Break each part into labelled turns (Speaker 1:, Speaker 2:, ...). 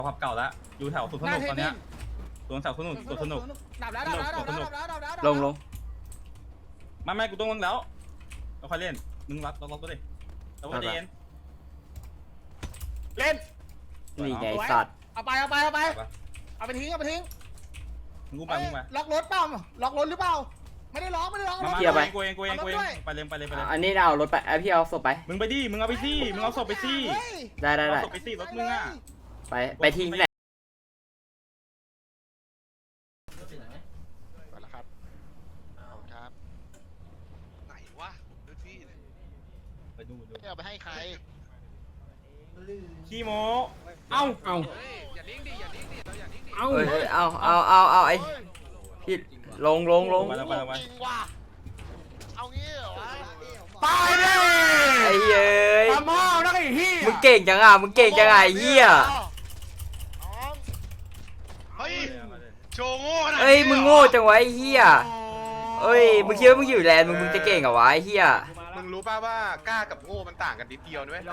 Speaker 1: ขับเก่าแล้วอยู่แถวสุดถนนตอนเนี้ยสวนแถวสนุกสนุก
Speaker 2: ดับแล้ว
Speaker 3: ลง
Speaker 1: ไม่กูต้องลงแล้วเราค่อยเล่นมึงรับล็อกก็ดิแล้วก็เย็นเล่น
Speaker 3: นี่ไงสัตว์
Speaker 2: เอาไปทิ้ง
Speaker 1: มึงไป
Speaker 2: ล็อกรถเปล่าล็อกรถหรือเปล่าไม่ได้ล็อก
Speaker 1: มากูเองไปเลย
Speaker 3: อันนี้เอารถไปพี่เอาศพไป
Speaker 1: มึงไปดิมึงเอาไปสิมึงเอาศพไปสิ
Speaker 3: ได้
Speaker 1: ศพไปสิรถมึงอ่ะ
Speaker 3: ไปทิ้งแหละ
Speaker 4: ไปแล้วครับครับไหนวะดูที่
Speaker 1: ไปดู
Speaker 4: เอาไปให้ใคร
Speaker 1: ขี้โมเอ้า
Speaker 4: อย่าดิ้งดิเราอย่าดิ้งดิ
Speaker 3: เอาไอ้พี่ลง
Speaker 4: จริงว่ะเอางี้เหรอ
Speaker 2: ตายเลย
Speaker 3: ไอ้เย้ย
Speaker 2: ทำพ่อนักไอ้เหี้ย
Speaker 3: มึงเก่งจังไอ้เหี้ย
Speaker 4: เฮ้ยโชว์โง่ขนาดนี้
Speaker 3: เอ้ยมึงโง่จังวะไอ้เหี้ยเอ้ยมึงคิดว่ามึงอยู่แลนด์มึงจะเก่งเหรอวะไอ้เหี้ย
Speaker 4: มึงรู้ป่ะว่ากล้ากับโง่มันต่างกันนิดเดียวด้วย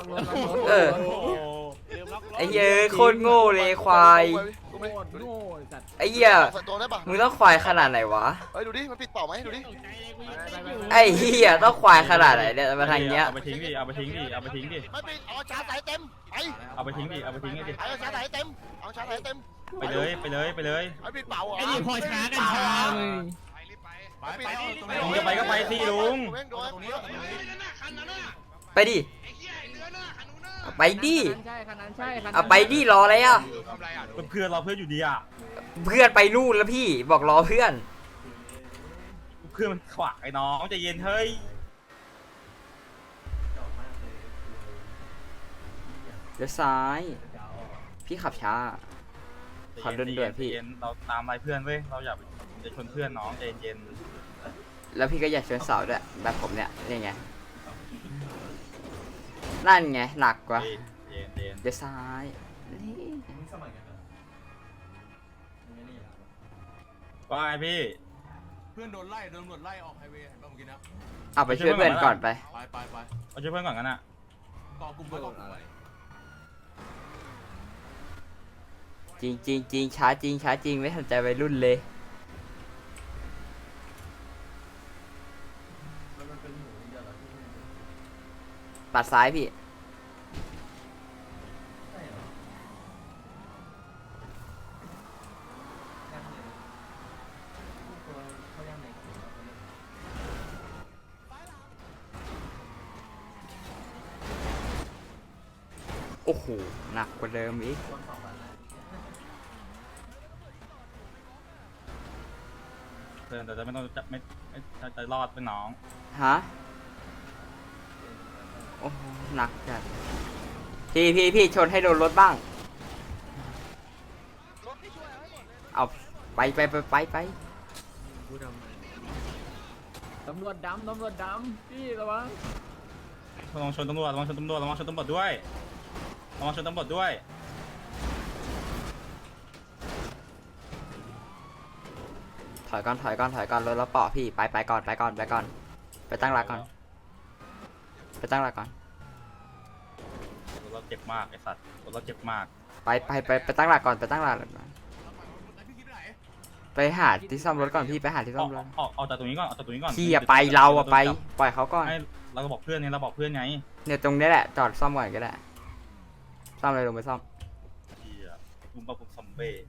Speaker 3: ไอ้เย้ยโคตรโง่เลยควายไอ้เหี้ยมึงต้องควายขนาดไหนวะ
Speaker 4: ดูดิมันปิดเป่าไหมดูดิ
Speaker 3: ไอ้เหี้ยต้องควายขนาดไหนเนี่ยมาทางเนี้ย
Speaker 1: เอาไปทิ้งดิไม่
Speaker 4: ปิดเอาชาร์จสายเต็มไป
Speaker 1: เอาไปทิ้งดิ
Speaker 4: เอาชาร์จสายเต็ม
Speaker 1: ไปเลย
Speaker 4: เอาปิดเป่า
Speaker 2: ไอ้นี่พอช้ากันช้าเลย
Speaker 1: มึงจะไปก็ไปสิลุง
Speaker 3: ไปดิไปดิเอาไปดิรออะไรอ่ะ
Speaker 1: เพื่อนเราเพื่อนอยู่ดีอ่ะ
Speaker 3: เพื่อนไปนู่นแล้วพี่บอกรอเพื่อน
Speaker 1: มันขวางไอ้น้องใจเย็นเฮ้ย
Speaker 3: เดี๋ยวซ้ายพี่ขับช้าขับเดินพี่
Speaker 1: เราตามไล่เพื่อนเว้ยเราอย่าจะชนเพื่อนน้องใจเย็น
Speaker 3: แล้วพี่ก็อยากชวนสาวด้วยแบบผมเนี่ยนี่ไงนั่นไงหนักกว่าเดี๋ยวซ้าย
Speaker 1: ว่าไงพี่
Speaker 2: เพื่อนโดนไล่ออกไฮเวย์เห็นป่ะเมื่อกี้นะ
Speaker 3: เอาไปช่วยเพื่อนก่อนไป
Speaker 1: เอาช่วยเพื่อนก่อนกันอ่ะ
Speaker 2: ก่อกลุ่มไว้
Speaker 3: จริงช้าจริงไม่สนใจวัยรุ่นเลยปัดซ้ายพี่โอ้โหหนักกว่าเดิมอีก
Speaker 1: เพื่อนแต่จะไม่ต้องจะไม่จะรอดเป็นน้อง
Speaker 3: ฮะโอ้หนักจัดพี่ชนให้โดนรถบ้างเอาไป
Speaker 2: ตำรวจดำพี่ระวัง
Speaker 1: ระวังชนตำรวจด้วย
Speaker 3: ถอยก่อนรถเราเปาะพี่ไปก่อนไปตั้งหลักก่อน
Speaker 1: เราเจ็บมากไอ้สัตว์เราเจ็บมาก
Speaker 3: ไปตั้งหลักก่อนไปหาที่ซ่อมรถก่อนพี่ไปหาที่ซ่อมรถ
Speaker 1: ออกจากตรงนี้ก่อน
Speaker 3: พี่อย่าไปเราอะไปปล่อยเขาก่อน
Speaker 1: เราก็บอกเพื่อนไง
Speaker 3: เนี่ยตรงนี้แหละจอดซ่อมก่อนก็ได้ซ่อมเลยลงไปซ่อม
Speaker 1: ลุงปะผมซอมเบ้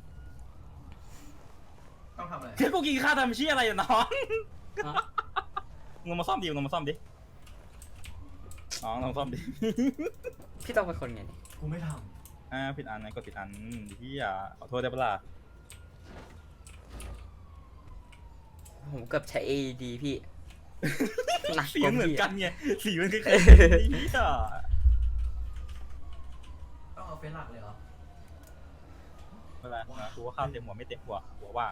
Speaker 1: ต้องทำอะไรเฮ้ยกูกินข้าวทำชี้อะไรอยู่น้องมึงมาซ่อมดิน้องลองซ่อมดิ
Speaker 3: พี่ต้องเป็นคนไงนี่
Speaker 1: กูไม่ทำผิดอันไหนกดผิดอันที่ขอโทษได้ปะล่ะ
Speaker 3: ผมเกือบใช้ AED พี่
Speaker 1: หนักสีเหมือนกันไงสีมันคล้ายๆ
Speaker 2: ต้องเอาเฟซหลักเลยเหรอ
Speaker 1: ไม่เป็นไรกูว่าข้าวเต็มหัวไม่เต็มหัวว่าง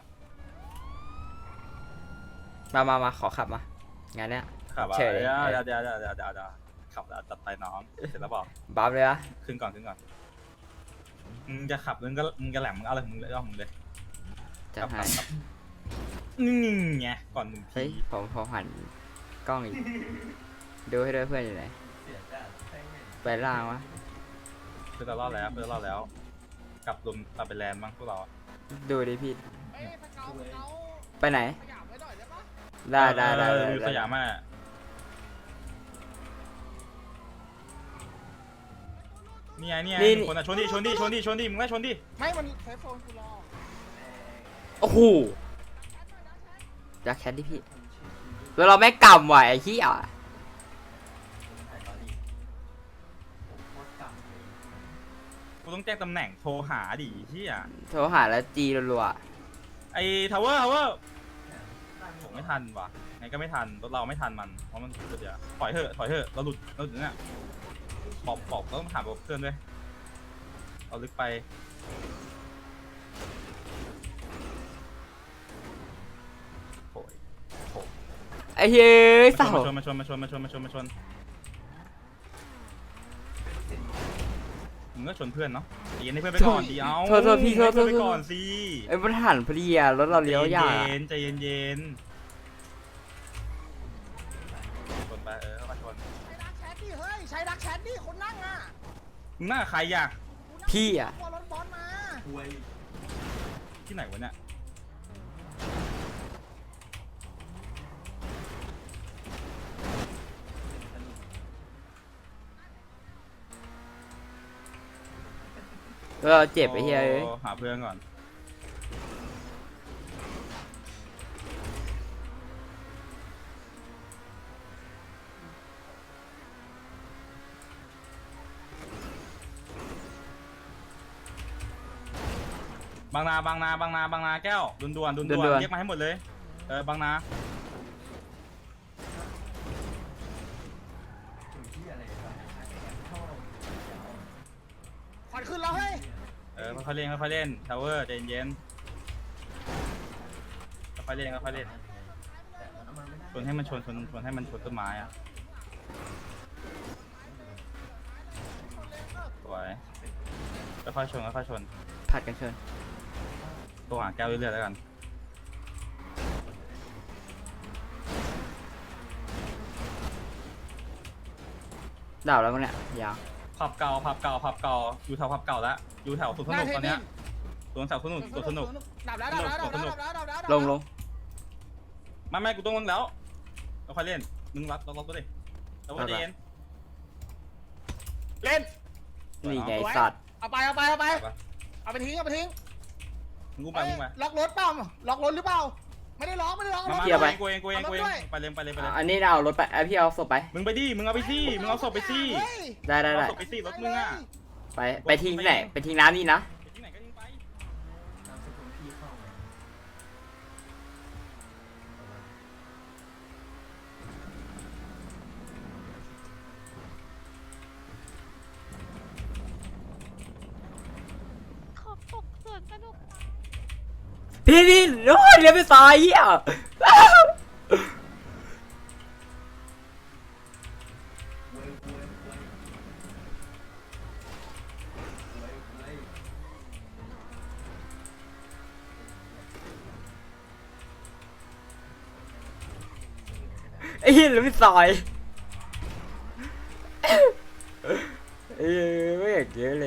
Speaker 3: มาขอขับมางานเนี้ย
Speaker 1: ขับเฉยเดี๋ยวขับแล้วจัดไปน้องเสร็จแล้วบอก
Speaker 3: บัฟเลยอะ
Speaker 1: ขึ้นก่อนมึงจะขับมึงจะแหลมมึงเอาอะไรมึงเลย
Speaker 3: จะให้
Speaker 1: นี่ไงก่อน1 ที
Speaker 3: ผมหันกล้องอีกดูให้ด้วยเพื่อนอยู่ไหนไปล่างวะ
Speaker 1: เพื่อนเรารอดแล้วกลับไปแลนด์บ้างพวกเราอะ
Speaker 3: ดูดิพี่
Speaker 4: เอ้ยสเกาสเกา
Speaker 3: ไปไหน
Speaker 4: ขยับไว้หน่อยได้ปะ
Speaker 3: ได้
Speaker 1: ดูสยามอ่ะนี่ไงนี่ไงมีคนอ่ะชนดิมึงก็ชนดิ
Speaker 4: ไม่มันเซฟโซนกูรอ
Speaker 3: โอ้โหจักแคทดิพี่แล้วเราแม่งกำไหวไอ้ขี้อ่ะ
Speaker 1: กูต้องแจ้งตำแหน่งโทรหาดิที่อ่ะ
Speaker 3: โทรหาแล้วจีรัว
Speaker 1: ไอ้ทาวเวอร์ผมไม่ทันว่ะไงก็ไม่ทันรถเราไม่ทันมันเพราะมันสุดยอดถอยเถอะเราหลุดเนี่ยบอกต้องถามเพื่อนด้วยเอาลึกไปโอย
Speaker 3: ๆไอ้เฮ้ยเศร้า
Speaker 1: มาชนมึงก็ชนเพื่อนเนาะตีให้เพื่อนไปก่อนดีเอา
Speaker 3: โทษพี่
Speaker 1: ให้เพื่อนไปก่อนสิ
Speaker 3: ไอ้มันหันพอดีอ่ะรถเราเลี้ยวยาก
Speaker 1: ใจเย็นชนไปเข้ามาชน
Speaker 4: ใช้ดักแชทดิเฮ้ยใช้ดักแชทดิคนนั่งอ่ะ
Speaker 1: มึงหน้าใครอ่ะ
Speaker 3: พี่อ่ะ
Speaker 4: กลัวรถบอลมา
Speaker 1: ที่ไหนวะเนี่ย
Speaker 3: เราเจ็บไอ้เฮ้ย
Speaker 1: หาเพื่อนก่อนบางนาแก้วด่วนเรียกมาให้หมดเลยบางนา
Speaker 4: ขวัญขึ้นแล้วเฮ้ย
Speaker 1: ค่อยๆเล่นทาวเวอร์ใจเย็นค่อยๆเล่นชนให้มันชนต้นไม้อ่ะสวยค่อยๆชน
Speaker 3: ผัดกันเชิญ
Speaker 1: ตัวหาแก้วเรื่อยๆแล้วกัน
Speaker 3: ดาวแล้วมั้งเนี่ยยาว
Speaker 1: ผับเก่าอยู่แถวผับเก่าแล้วอยู่แถวสวนสนุกตอนเนี้ยสวนสนุก
Speaker 4: ดับแล้ว
Speaker 3: ลง
Speaker 1: ไม่กูต้องลงแล้วค่อยเล่นมึงล็อกตัวดิแล้วก็ใจเย็น
Speaker 4: เล่น
Speaker 3: นี่ไงสัตว์
Speaker 4: เอาไปทิ้ง
Speaker 1: มึงไป
Speaker 4: ล็อกรถเปล่าล็อกรถหรือเปล่าไม่ได้ล็อก
Speaker 1: กูเองไปเลย
Speaker 3: อันนี้เอารถไปพี่เอาศพไป
Speaker 1: มึงไปดิมึงเอาไปสิมึงเอาศพไปสิ
Speaker 3: ได้
Speaker 1: เอาศพไปสิรถมึงอ่ะ
Speaker 3: ไปทิ้งไหนไปทิ้งน้ำนี่นะ
Speaker 1: ที่ไหนก็ทิ้งไป
Speaker 5: ขอบตกสวนสนุก
Speaker 3: พี่โอ้ยเลี้ยงไปตายอ่ะไอ้เหี้ยเลี้ยงไปตายไม่อยากเยอะเลย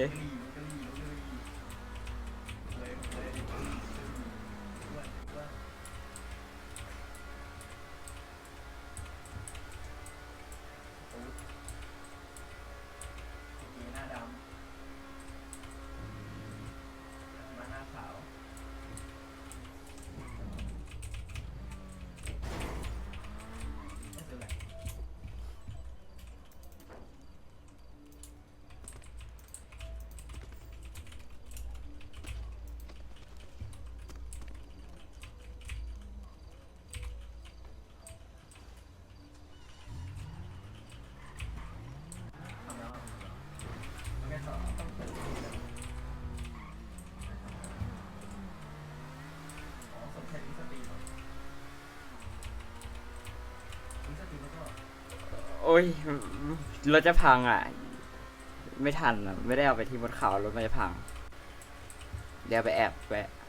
Speaker 3: โอ้ยรถจะพังอ่ะ ไม่ทันอ่ะ ไม่ได้เอาไปที่บนเขารถมันจะพัง เดี๋ยวไปแอบแวะ